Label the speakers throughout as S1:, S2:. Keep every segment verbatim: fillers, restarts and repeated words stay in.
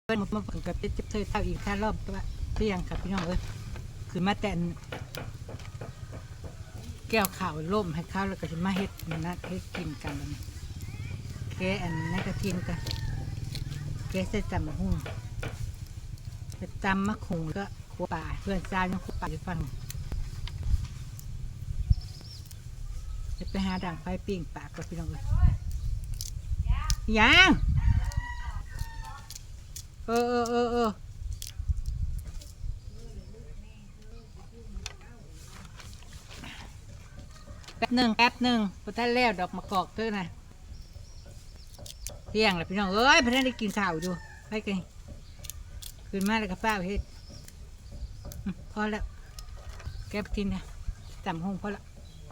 S1: เพิ่นมาเพิ่นกับเจ็บเธอเท่าอีกท่ารอบตัวเที่ยงครับพี่น้องเอ้ยคือมาแต่แก้วข่าวล่มให้ข้าวแล้วก็จะมาเฮ็ดมันนัดเฮ็ดกินกันแล้วแกอันนั้นกระทินกันแกใส่จำมะฮุ่งไปจำมะขุงแล้วก็ขัวป่าเพื่อนซายังขัวป่าอยู่ฟังจะไปหาด่างไฟปิ้งปากกับพี่น้องเอ้ยยังเออเออเออเออแป๊บหนึ่งแป๊บหนึ่งพอท่านแล้วดอกมะกอกเท่านะเที่ยงแล้วพี่น้องเอ้ยพอท่านได้กินข้าวอยู่ไปกันขึ้นมาแล้วกับป้าเฮ็ดพอแล้วแก้ปทินนะจำห้องพอแล้ว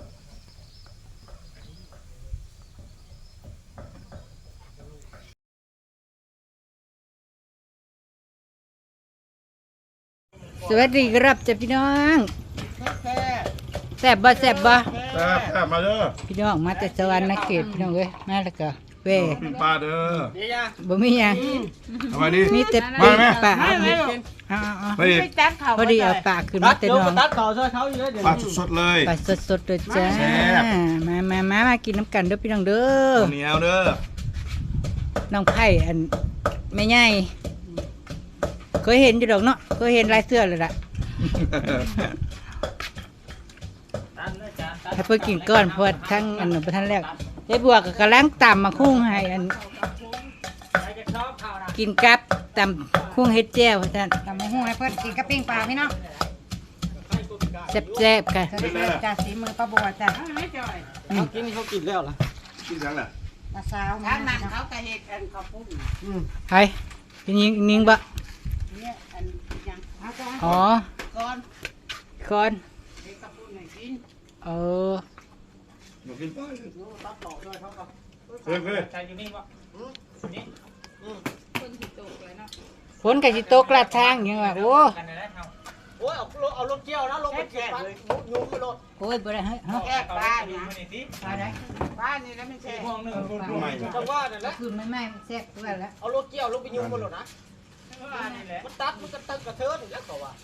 S1: สวัสดีครับจ้ะพี่น้องแซ่บบ่แซ่บบ่
S2: แซ่บแซ่บมาเด้อ
S1: พี่น้องมาแต่สวรรค์นักเกตพี่น้องเอ้ยมาแล้วก็เว่
S2: ปิ้งปลาเด้อ
S1: บ่มีหยัง
S2: ทำไมนี่
S1: มีแต่
S2: มาไหม
S1: ปลาเอาเอาเอา
S2: ไปอีก
S1: พอดีเอาปลาขึ้นมาแต่น้อง
S3: ตัดเขาช่วยเขาอยู่เลยเดี๋ยว
S2: ปลาสดๆเลย
S1: ปลาสดๆเลยจ้า
S2: แซ่บ
S1: มามามามากินน้ำกันเด้อพี่น้องเด้อ
S2: เหนียวเด้อ
S1: น้องไผ่อันแม่ใหญ่เคยเห็นอยู่ดอกเนาะเคยเห็นลายเสื้อเลยล่ะให้เพิ่นกินก้อนเพราะว่าทั้งอันหนึ่งประทันแรกยายบัวก็กำลังตำมาคุ้งให้อันกินกับตำคุ้งเฮ็ดแจ่วท่าน
S4: ตำมะฮุ่งให้เพื่อนกินกับปิ้งปลาพี่น้อง
S1: แซ่บๆกัน
S4: เสร็จจากสีมือป้าบัวจ้ะ
S3: เขากินเขากินแล้วล่ะ
S2: กินยังล่ะ
S4: ปลาสาวมา
S5: ถ้ามันเขาก็เห็ดอันเขาปุ้ง
S1: ไผเป็นยิงนิงบะ
S5: เนี่ยอันยัง
S4: เอาจ้ะ
S1: อ๋อ
S5: ก้อน
S1: คอน
S5: เห็ดเขาปุ้งให้กิน
S1: เออ
S2: หนูกินปลา
S5: รู้ตัดต่อด้วยเขาก็
S2: เพื่อนเพื่อน
S3: ใจอยู่นี่วะนี่
S5: คนที่โตเลยเนาะ
S1: ฝนก็สิตกลาดทางยังว่าโอ้
S3: กันเลยนะโอ้ยเอาเอารถเกี่ยวนะลงไปเกี่ยวเลยยุ่งไปรถ
S1: โอ้ยบ่ได้เฮ้ยเฮา
S5: แค่ปลา
S3: ดู
S5: เนี่ย
S3: มาหน่อยสิ
S1: ปลาได้
S5: บ้านนี่แล้วไม่ใช่
S3: ห้องหนึ่ง
S2: ไม่
S3: จังว่าเนี่ยแหละ
S1: คืนไม่ไหม้มันแซ่บตัวแล้ว
S3: เอารถเกี่ยวลงไปยุ่งไปรถนะ
S5: บ้านนี่แหละ
S3: มันตัดมันกระตึกกระเทินแล้วก็ว่า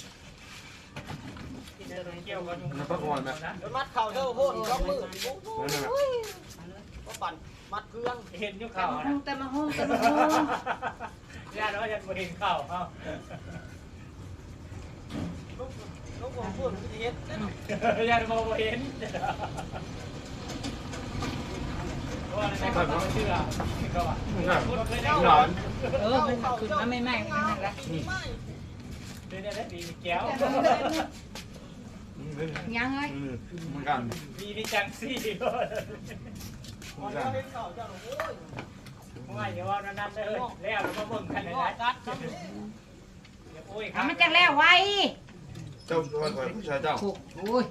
S3: เกี่ยวกันยุ่ง
S2: มันพักผ่อนไหม
S3: มันมัดเข่าเท่าโคตรร้องมือ
S2: นั่นน่ะ
S3: ก็ปั่นมัดเครื่องเห็นยุ่งเข่า
S1: ฮุ่
S3: นะ
S1: งแต่มาฮุ่งแต่มาฮุ่ง
S3: ญาติว่าจะเห็นเข่าเขาลูกลูกผมพูดมันจะเห็นญาติมองเห็นว่าในความเชื่อก็ว่า
S2: หนอน
S1: เออมันขึ้นมาไม่ไหม้มันนั่นละ
S3: เดี๋ยวได้ดีแก้ว
S4: ยังเอ้ย
S2: เหมือนกัน
S3: มีนี่จังซี่วันนี้เขาจะโอ้ยว่าอย่าว่านั่นเลยแล้วเราก็เบิ่งกันเลยนะโอ้ย
S4: เอามันจะแล้วไว้
S2: เจ้าตัวคอยผู้ชายเจ้า
S1: ถูกโอ้ย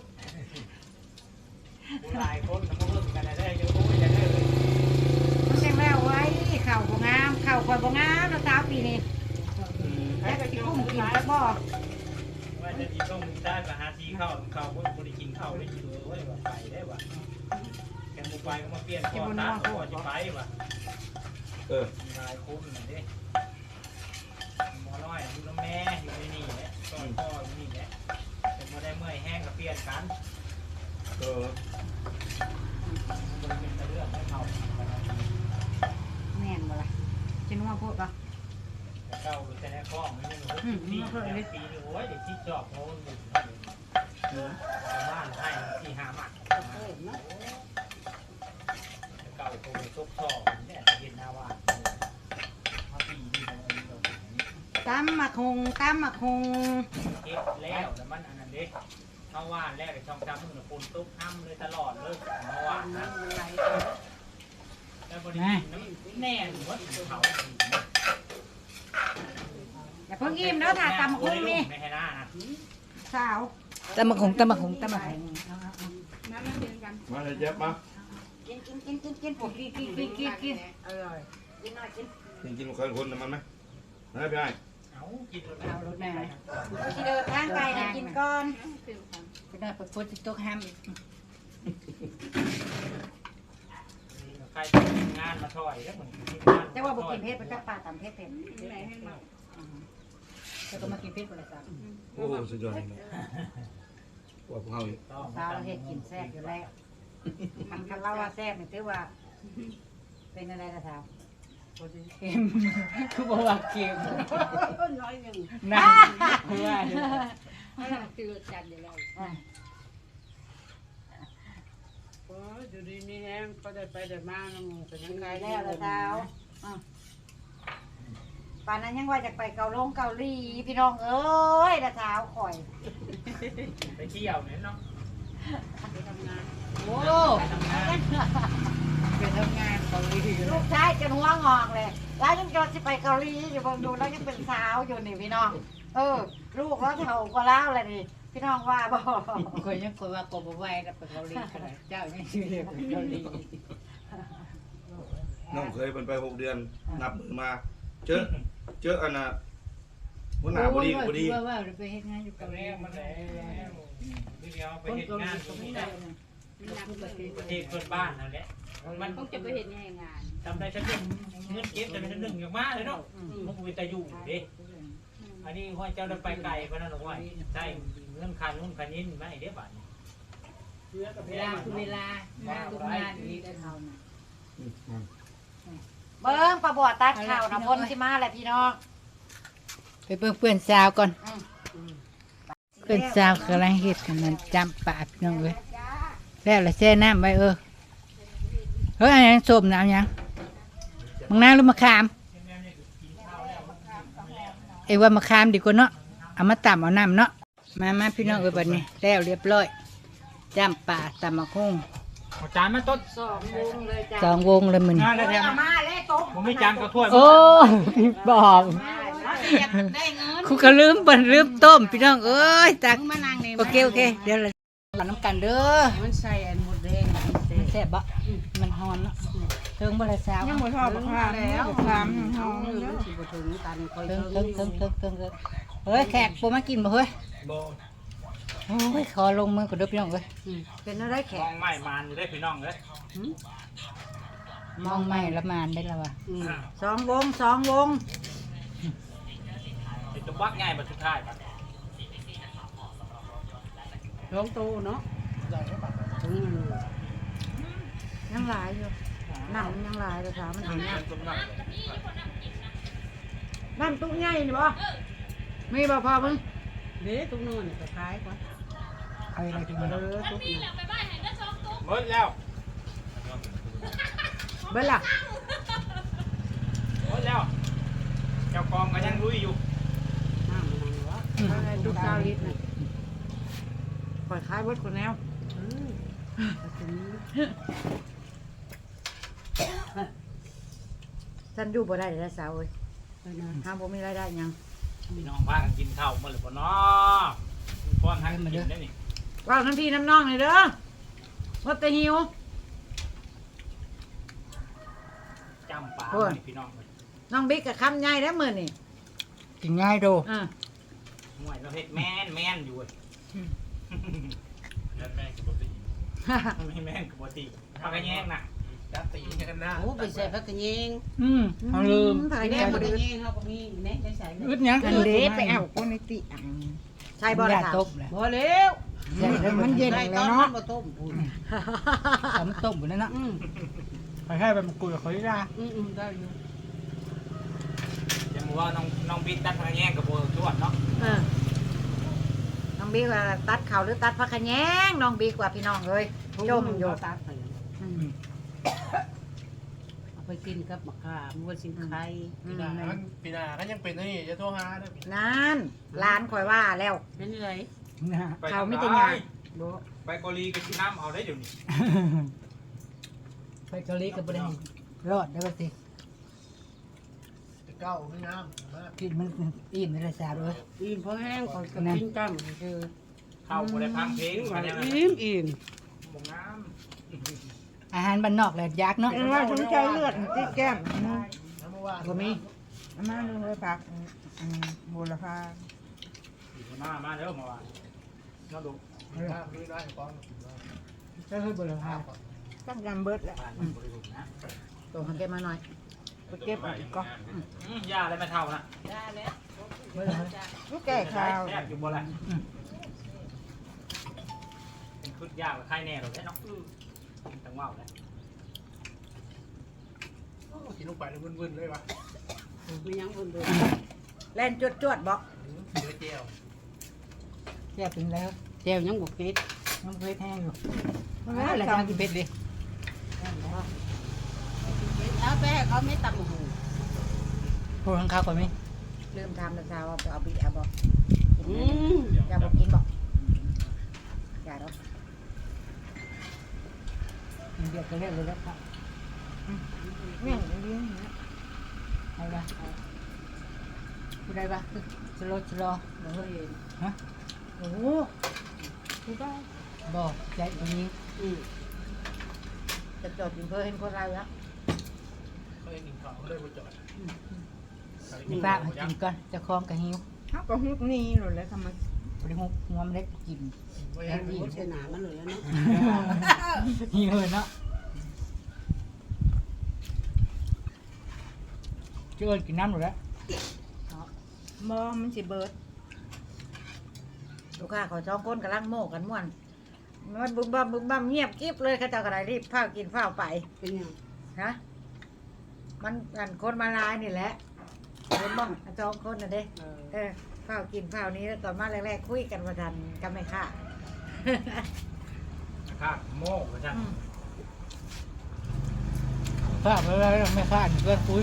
S3: หลายคนเขาเบิ่งกันได้เยอะโอ้ยจะได้เลย
S4: มันจะแล้วไว้เข่าบ่งามเข่าคอยบ่งามแล้วสาวปีนี้แล้วก็สิกุ้งกินสักบ่
S3: ว่าจะที่ต้องได้มาหาทีเข้าเข้าคนคนได้กินข้าวได้กินเลยว่าไปได้ว่ะแกมุไปก็มาเปลี่ยนก่อนนะก่อนจะไปว่ะ
S2: เออ
S3: หลายคนนี่หมอน้อยอยู่น้ำแม่อยู่ในนี่แหละตอนพ่ออยู่นี่แหละเป็นมาได้เมื่อยแห้งก็เปลี่ยนกัน
S2: เออ
S3: มันเป็นเรื่องให้เขา
S4: แม่นบ่ล่ะจะนัวโพดบ่
S3: เก้าแต่ในคล้องมันยังปีปีนึงโอ้ยเด็กที่จอบเขาหนึ่งบ้านให้สี่ห้ามัดเก่าคงซุกท่อเนี่ยเย็นหน้าว่ามาปีนี่เรา
S4: ตำมะฮุ่งตำมะฮุ่ง
S3: เก็บแล้วแต่มันอันนั้นเด็กเข้าว่านแล้วในช่องจำมือคนตุ๊กห้ำเลยตลอดเลยมาว่านนะแล้วบริณแน่นว่าเขา
S4: อย่าเพิ่งอิ่มเด้อค่ะตำมะฮุ่งนี่
S3: ไม่ให้หน้านะ
S4: สาว
S1: ตำมะฮุ่งตำมะฮุ่งตำมะฮุ่ง
S5: น้ำมันเป็นกัน
S2: มาเลยเจ็บมา
S4: กินกินกินกินกินกินกินกินกินกิน
S5: อร่อย
S4: กินหน่อยกิน
S2: กินกินคนคนมันไหมไม่ได้
S3: เอากิน
S1: เอารถแม่
S4: เอาสิเดินทางไกลนะกินก่อน
S5: ฟิวกัน
S1: ไปได้ไปฝนสิตกห้ามอีก
S3: ใครทำงานมาถอยแล้วเหมือน
S4: แต่ว่าบ่กินเผ็ดบ่จักปลาตำเผ็ดเผ็ด
S5: ไหนให้มา
S3: ม
S1: แล้วก็มากินเพชรบริษัท
S2: โอ้สุดยอดเลยว่าพวกเขาอีก
S3: ต้อง
S4: สาวเฮ็ดกินแซ่บอยู่แล้วคันคันเล่าว่าแซ่บนี่ถือว่า เป็นอะไรนะสาว
S1: เค็มคือบอกว่าเค็ม
S5: น้อยหนึ่ง
S1: นั่นคือว่า
S5: ให้มันจืดจัดอยู่แล้ว
S4: อ่ะ
S5: โอ้ยอยู่ดีมีแห้งก็ได้ไปได้มาน้ำมูกเป็นยังไง
S4: ไปแล้วละสาวอ่ะป่านนั้นยังว่าจะไปเกาหลงเกาหลีพี่น้องเอ้ยละสาวข่อย
S3: ไปเที่ยวเนี่ยเนาะ
S5: ไปทำงาน
S1: โอ้
S3: ไปทำงาน
S1: ไปทำงานเกาหลี
S4: ลูกชายจนหัวงอกเลย แล้วยังจะสิไปเกาหลีอยู่เบางดูแล้วยังเป็นสาวอยู่นี่พี่น้อง เออ ลูกแล้วเท่าก็แล้วเลยนี่พี่น้องว่าบ่
S1: คนยังคนว่ากบไหว้แล้วไปเกาหลีขนาดเจ้ายังชื่อเรียกเกาหลี
S2: น้องเคยเป็นไปหกเดือนนับมือมา เจอเจออันน่ะหัวหน้าบดีบดี
S1: ว่าว่าไปเฮ็ดงานอยู่
S3: ตร
S1: เกาง หลี
S3: นี้มันแล้วที่เดียวไป
S1: คน
S3: เห็น
S1: เกาห
S3: งา
S1: ลี
S3: นต
S1: ก็
S3: รง
S1: ไม่
S3: นี้
S1: ได้
S3: ได้
S1: นะ
S5: มันหนักเลย
S3: ประเทศเพื่อนบ้านนั่นแหละมัน
S5: คงจะไปเห็นแง่งาน
S3: ทำได้ชั้นหนึ่งเงินเก็บแต่เป็นชั้นหนึ่งอย่างมากเลยเนาะมันก็เป็นตาอยู่เด้อันนี้ห้อยเจ้าได้ไปไกลเพราะนั่นหรอกว่าใช่เงินคันนู่นคันนี้ไม่เดี๋ยวบาท
S1: เวลาคือเวลาทุกงานนี้ได้เท่านั้น
S4: เบิ้งประบวตัดข่าวนะพ้นที่มาแหละพี่น้อง
S1: ไปเบิ่งเพื่อนสาวก่อน
S4: อืม
S1: เพื่อนสาวกำลังเฮ็ดกันนั่นจำปากพี่น้องเอ้ยแล้วละแช่น้ำไว้เออเฮ้ยอันยังส้มน้ำยังมังนาวหรือมะขาม เอ้ว่ามะขามดีกว่าเนาะเอามาตำเอาน้ำเนาะมามาพี่น้องเอ้ยบัดนี้แล้วเรียบร้อยจำปาตำมะคุ้ง
S3: เอาจานมาต้น
S4: สองวงเลยจ้ะ
S1: สองวงเลยมึน
S3: งานแล้วแถม
S4: เอามาเลยโต๊ะ
S3: ผมไม่จานกับถ้วย
S1: โอ้บอก
S5: ได้เงิน
S1: คุก็ลืมเปิ่นลืมต้มพี่น้องเอ้ยตัก
S5: มึงมานั่งนี่
S1: โอเคโอเคเดี๋ยวเราหลัน้ำกันเด้อ
S5: มันใส่อันหมดแดง
S1: มันแซ่บบ่มันฮอนเนาะเทิงบ่ละสาว
S5: ยังหมดทอดข้าวแล้วข้าวห้องนึงมันสิบ่ถึงตันคอย
S1: เทิง
S5: ถึ
S1: เทิง
S5: ง
S1: เทิงเทิงเทิงเทิงเฮ้ยแขกบ่มากินบ่เฮ้ย
S3: โบ
S1: โอ้ยขอลงมือก่อนเด้อพี่น้องเอ้ย
S4: เป็นอะไรแข
S3: มอก งไม่มานอยู่ได้พี่น้องเลย
S1: มองไม่ละมานได้แล้วว่ะ
S4: สองวงสองวง
S3: ติดตัววักง่ายมาสุดท้ายป่ะ
S5: ลงตู้เนาะถึง
S4: ยังหลายอยู่น้ำมันยังหลายเลยค่ะมันถึงน้ำน้ำตุ้งใหญ่นี่บ่มีบ่พอมึง
S5: เด้ตุ้งนู่นก็ขายก่อน
S1: เอาอะไรกิน
S5: เอ
S1: เด้อ
S5: อตุ้งนี่
S3: หมดแล้ว
S4: เบิ้ลล่ะ
S3: หมดแล้วเจ้ากองก็ยังลุยอยู่
S5: น้ำมันวะ
S4: อะไรตุ้งเก้าลิตรนะปล่อยคายเบิ้ลคนแนว
S5: อืมถึง
S4: ฉันอยู่บ่ได้เลยสาวเอ้ย
S5: ไปนะ
S4: ห้ามบ่มีรายได้หยัง
S3: พี่น้องพากันกินข้าวมาหรือเปล่าเนาะป้อนให้กินได้นี่
S4: ว่าวน้ำพี่น้ำน้องเลยเด้อว่าแต่หิว
S3: จำปลาพี่น้องเลย
S4: น้องบิ๊กกับคำใหญ่แล้วมื้อนี่
S1: กินง่ายโด
S4: อ่า
S3: ห่วยเราเฮ็ดแม่นแม่นอยู่แม่นแม่นกับปกติไม่แม่นกับปกติปากกระแยงน่ะจับตีกันนะ
S5: โอ้ไปใส่ผักกระเยง
S1: อืมเอาลืม
S4: ถ่าย
S5: แม่
S4: แน่
S5: ผั
S4: บ่
S5: กก
S4: ได้
S5: ระเยงเขาก็มีแม่ได้ใส่เลย
S1: อึดหยัง
S4: อันเด้ไปเอาคนในติใช่บ่ล่ะ
S1: ยา
S4: ค่ะ
S1: ต้มแหละ
S5: บ่แล้ว
S1: มันเย็น
S5: ได้
S1: เลย
S5: ตอน
S1: เนาะ
S5: มันบ่ต้มพูน
S1: ทำต้มหมดแล้วเนาะ
S5: อืม
S1: ไปให้ไปมาคุยกับเขาดีกว่า
S5: อืมอืมได้อยู่
S3: จะบอกว่าน้องน้องบินตัดปากกระแยงกับโบชวดเนาะ
S4: เออน้องบิ๊กว่าตัดเข่าหรือตัดผักขะแยงน้องบิ๊กว่าพี่น้องเอ้ยจมอยู่
S5: ตัดไป
S4: อืม
S5: เอาไปกินกับมะขามวัวสิงไข่
S4: อืม
S6: ปีหน้าก็ยังเป็นนี่จะโทรหาเด้อ
S4: นั่นร้านข่อยว่าแล้ว
S5: เป็นไร
S1: นะ
S3: ไป
S4: เขาไม่แต่งาน บ่
S3: ไปเกาหลีก็กินน้ำเอาได้เดี๋ยวนี้
S1: ไปเกาหลีกับประเด็นรอดได้ป่ะสิ
S6: จะเก้าไม่งามมาก
S1: กินมันอิ่มในราชาด้วย
S5: อิ่มเพราะแห้งก่อนก็กินจ้ำคือ
S3: เข้าบ่ได้พังเพลงกันยังไง
S5: อิ่มอิ่ม
S3: บ่งาม
S1: อาหารบ้านนอกแหละยักษ์เนาะ
S4: เป็นว่าสนใจเลือดติดแก้ม
S6: น้ำมาว่า
S1: บ่มี
S4: อามาลงเลยผักอืมบูรพา
S3: อยู่หน้ามาเด้อเมื่อวานน้องดู
S6: น้ำด้วยได้ก่อน
S1: ก็คือบุรพา
S4: ต้องยำเบิดแหละ
S3: ผ่านมันบริสุทธิ์นะ
S4: ตัวมันเก็บมาหน่อยไปเก็บอีกก็
S3: อืมยาอะไรไม่เท่านะ
S5: ได้แล้ว
S1: บุรพา
S4: ลูกแก่ข้าว
S3: แซ่บอยู่บ่ล่ะเป็นคุดยากกว่าไข่แน่หรอกเนาะต้องว้าวเลย
S6: กินลงไปแล้ววุ่นๆเลยวะ
S5: มียังคนเดิน
S4: แล่นจวดจวดๆบอก
S6: เนื้อเจียว
S1: แซ่บถึงแล้ว
S5: แก้วยังบกเก็ด
S1: น้ำเพชรแห้งอยู่ไม่อะไรทางกินเพชรดิ
S5: เอาไปให้เขาไม่ตักหู
S1: พูดข้างข้าวก่อนไหม
S4: ลืมทำนะสาวเอาไปเอาบีเอาบอก
S5: อืม
S4: อย่าบอกกินบอกอย่าหรอก
S1: มันเดือดก็เรียกเลยแล้วครับ
S4: แม่งเลี้ยงนะ
S1: เอาละพูดได้ปะสโลสโล
S5: บ่เคยเห็น
S1: ฮะ
S4: โอ้โห
S1: พูดได้บอกใจตรงนี้
S5: อืม
S4: จะจอดกินเพื่อเห็นคนไรแล้ว
S6: เขาเองกินข้าวเขาเลยมาจอด
S1: มีป้าให้กินก่อนจะคล้องกับหิว
S4: เขาก็ฮุบนี่หลุดแล้วทำไม
S1: บริหุบหัวมันเล็กกิน
S6: ไม่
S5: แล้
S6: ให้
S5: ว
S6: ดี
S5: นี่เสนามันเลยแล้วเนาะ
S1: หิวเลยเนาะเชื่อกินน้ำหมดแล้ว
S4: มอมันสิเบิดลูกค้าขอช่องก้นกำลังโม่กันม่วนมันบึ้มบัมบึ้มบัมเงียบกิ๊บเลยเข้าเจ้ากระไรรีบข้าวกินข้าวไป
S5: เป็นยัง
S4: ฮะมันกันคนมาลายนี่แหละเห็นบ้างจองคนน่ะเด้
S5: เออ
S4: เออข้าวกินข้าวนี้แล้วตอนมาแรกๆคุยกันมาทันกันไม่ค่ะ
S3: ข้าวโม่กระชัน
S4: อืม
S1: ข้าวไปแล้วไม่ข้าวเกินคุย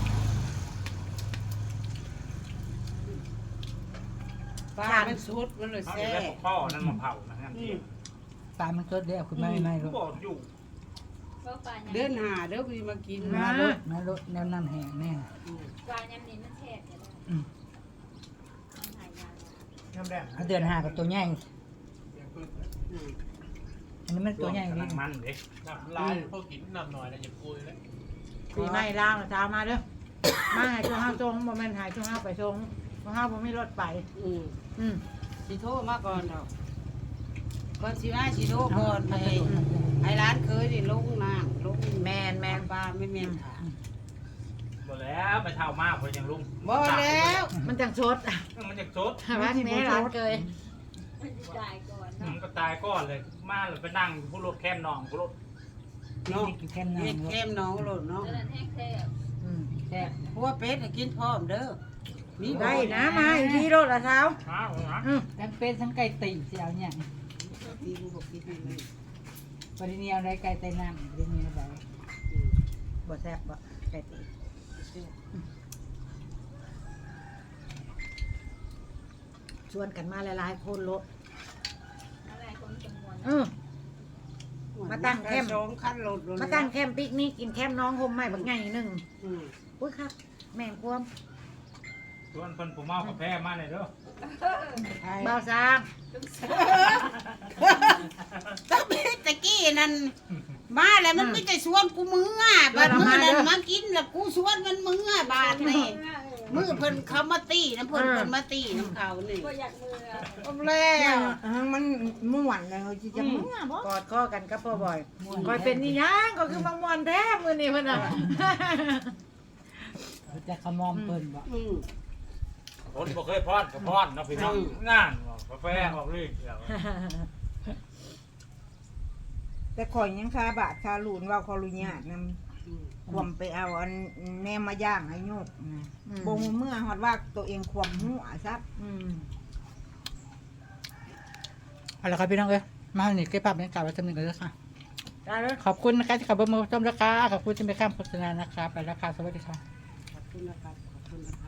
S5: ปลามันสุดมันเลย
S3: เขา
S5: แซ่
S3: จะได้ปกพ่อนั่นมาเผานะนั่นเอง
S1: ปลามันสดเดียวคุณไม่ไม่รู้
S3: บอกอยู่
S5: เดินหาเด้อพี่มากิน
S1: มาลดมาลดแนวน้ำแห้งแน่
S5: อืม
S7: ปลายำนี้มันแฉบอยู่แล้ว
S1: อืม
S7: มันหายยาก
S6: น้ำแดง
S1: เอาเดือนห้ากับตัวใหญ่
S5: อืม
S1: อันนี้มันตัวใหญ่
S3: กำ
S1: ดิ
S3: ลังมันเด็ก
S6: น้ำลายพวกกินน้ำหน่อยนะอย่าคุยเลย
S4: ปีใหม่ล่างเช้ามาเด้อมาหายช่วงห้าทรงโมเมนต์หายช่วงห้าไปทรงช่วงห้าผมไม่รถไป
S5: อืม
S4: อืม
S5: สิโทรมาก่อนดอกก่อนสิมาสิโทรก่อนให้ให้ร้านเคยนี่ลงน้ำลง
S4: แมนแมน
S5: ปลาไม่แม่นค่ะ
S3: หมดแล้วไปเท่ามากพอยังลุง
S5: บ่แล้ว
S4: มันจังชด
S3: มันจะชด
S4: ว่าที่นี้ร้านเกย
S7: มันจะตายก่อน
S3: มั
S7: เนาะ
S3: นก็ตายก้อนเลยมาเลยไปนั่งผู้รถแค้นนองผู้รถ
S5: เนาะ
S1: กินแค่
S5: เฮ็ด
S1: น้ำ
S5: แก้มน้องโลดเนาะ
S7: เดินแห้งแทบ
S4: อืม
S1: แซ่บ
S5: เพราะว่าเป็ดน่ะกินพร้อมเด้อมีบ่
S4: ได้นะมาอีกทีรถละเช้า
S3: อ้าวนะ
S4: อืม
S1: ทั้งเป็ดทั้งไก่ตีเสียวเนี่ย
S5: มีบ่บอกกินให้เลย
S1: ปริเนียวได้ไก่ไตน้ำปริเนียวได้
S5: อืม
S4: บ่แซ่บบ่ไก่ตีชวนกันมาหลายๆคนรถ
S7: อะไรคนจำนวน
S4: อืม มาตั้งแคมป์
S5: สองคันรถโดน
S4: มาตั้งแคมป์ปิกนิกกินแคมป์น้องห่มใหม่บักใหญ่หนึ่ง
S5: อืม
S4: อุ้ยครับ แม่งควม
S3: ชวนเพิ่นผู้เมากาแฟมาเลยเด้อ
S5: ไอ้
S4: เบาซาง
S5: ตั้งแต่ตะกี้นั่นมาแล้วมันไม่ได้ชวนกูมืออ่ะบัดมือนั้นมากินแล้วกูชวนมันมืออ่ะบาดนี่มือเพิ่นเขามาตีน้ำเพิ่นเพิ่นมาตีน้ำเขานี่
S7: ก็อยากมือ
S5: เอาแล้ว
S4: มันม่วนเลยจิจะม่วนบ่กอดข้อกันกับพ่อบ่อยคอยเป็นนี่ยังก็คือมังมวนแท้มือนี่มันอ่ะ
S1: จะขมอมเปิ้นบ่
S5: อืม
S3: คนบ่เคยพอดก็พอดเนาะพี่น้องงานกาแฟออกเลยเดี๋ยว
S8: แต่ข่อยยังคาบาทคาหลูนว่าขอรุญาตน
S5: อืม
S8: ำควมไปเอาอันแนมมาย่างให้โยกนะบงเมื่อฮอดว่าตัวเองควมหัวซับ
S4: อืม
S1: เอาละครับพี่น้องเอ้ยมาหนีเก็บภาพบรรยากาศไว้จำหนึ่งกันเลยค่ะ
S4: ได้เลย
S1: ขอบคุณนะคะที่ขับรถมาชมราคาขอบคุณที่ไปข้ามโฆษณานะคะไปราคาสวัสดีค่ะ
S5: ขอบคุณนะครับขอบคุณนะครับ